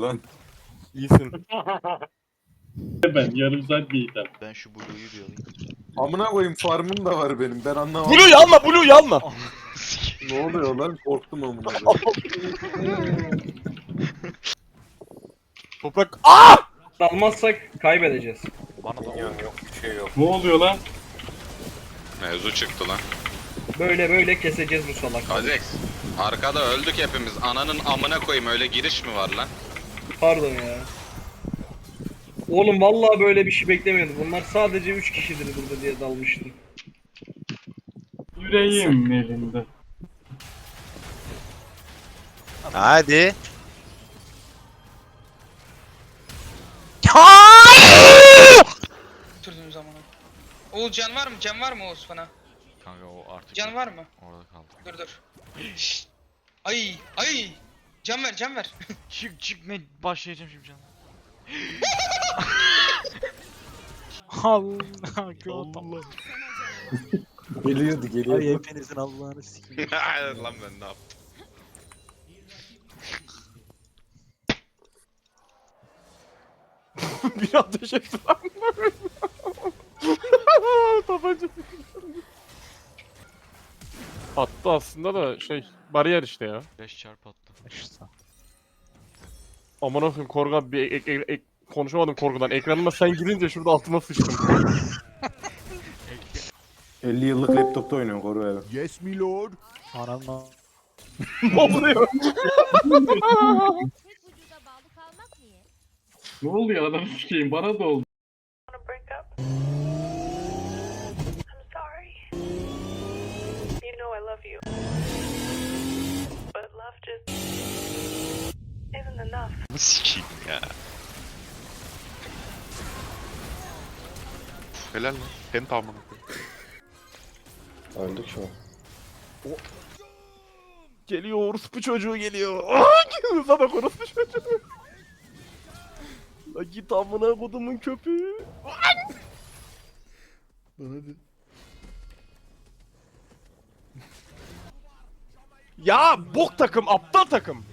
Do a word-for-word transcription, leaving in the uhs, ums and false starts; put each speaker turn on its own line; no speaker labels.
lan?
İyisin.
Ben yarım saat bir item.
Ben şu Blue'yu bir alayım.
Amına koyayım farmım da var benim. Ben anlamadım.
Blue'yu alma, Blue'yu alma.
Ne oluyor lan? Korktum amına koyayım.
Toprak. Aa!
Dalmazsak kaybedeceğiz.
Bana da
Yok bir şey yok.
Ne oluyor lan?
Mevzu çıktı lan.
Böyle böyle keseceğiz bu salak.
Kazex. Arkada öldük hepimiz. Ananın amına koyayım, öyle giriş mi var lan?
Pardon ya. Oğlum vallahi böyle bir şey beklemiyordum. Bunlar sadece üç kişidir burada diye dalmıştım.
Yüreğim elinde.
Hadi.
Türdüğüm zamana. Oğuz can var mı? Can var mı Oğuz bana?
kanka o artık
Can var mı?
orada kaldı.
Dur dur. Şşt. Ay ay. Can ver can ver.
Çık çık ne başlayacağım şimdi canım.
Allah Allah.
Geliyordu
Ay
geliyordu.
hepinizin Allah'ını sikeyim.
Lan ben ne yaptım?
Bir ateş etti lan. Tabanca. Attı aslında da şey bariyer işte ya.
beş çarpı attı.
İşte.
Aman okuyayım korga bir ek, ek, ek- konuşamadım korkudan. Ekranıma sen girince şurada altıma sıçtım.
elli yıllık laptopta oynuyorum koru evi.
Yes, my lord.
Anam
Ne oluyor?
Tek vücuda bağlı kalmak niye?
Ne oluyor adam sikeyim bana da oldu.
I'm sorry. You know I love you. But love just isn't enough.
Bu sikiyim ya. Helal lan. Penta amına koyayım.
Öldük şu an.
Geliyor orospu çocuğu geliyor. Sana orospu çocuğu. La git amına kodumun köpüğü. Lan hadi. Ya bok takım, aptal takım.